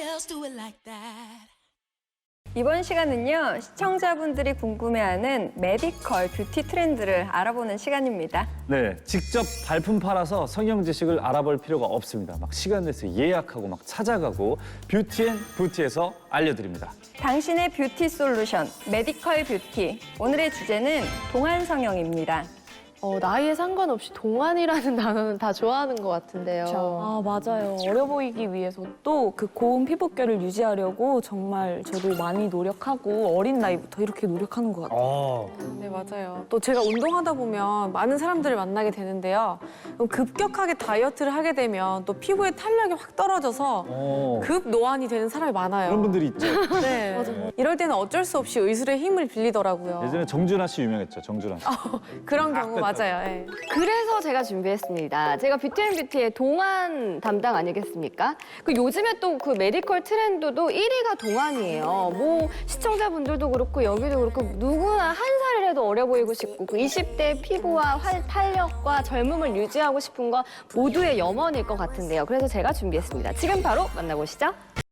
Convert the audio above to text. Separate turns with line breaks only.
else do it like that?
이번 시간은요, 시청자분들이 궁금해하는 메디컬 뷰티 트렌드를 알아보는 시간입니다.
네, 직접 발품 팔아서 성형 지식을 알아볼 필요가 없습니다. 막 시간 내서 예약하고 막 찾아가고 뷰티앤부티에서 알려드립니다.
당신의 뷰티 솔루션, 메디컬 뷰티. 오늘의 주제는 동안 성형입니다.
나이에 상관없이 동안이라는 단어는 다 좋아하는 것 같은데요.
아, 맞아요. 어려 보이기 위해서 또 그 고운 피부결을 유지하려고 정말 저도 많이 노력하고 어린 나이부터 이렇게 노력하는 것 같아요.
네, 맞아요. 또 제가 운동하다 보면 많은 사람들을 만나게 되는데요. 그럼 급격하게 다이어트를 하게 되면 또 피부의 탄력이 확 떨어져서 급 노안이 되는 사람이 많아요.
그런 분들이 있죠.
네. 맞아요. 이럴 때는 어쩔 수 없이 의술의 힘을 빌리더라고요.
예전에 정준하 씨 유명했죠, 정준하 씨.
그런 경우 맞아요. 예.
그래서 제가 준비했습니다. 제가 뷰티앤뷰티의 동안 담당 아니겠습니까? 그 요즘에 또 그 메디컬 트렌드도 1위가 동안이에요. 뭐 시청자분들도 그렇고 여기도 그렇고 누구나 한 살이라도 어려 보이고 싶고 그 20대 피부와 탄력과 젊음을 유지하고 싶은 건 모두의 염원일 것 같은데요. 그래서 제가 준비했습니다. 지금 바로 만나보시죠.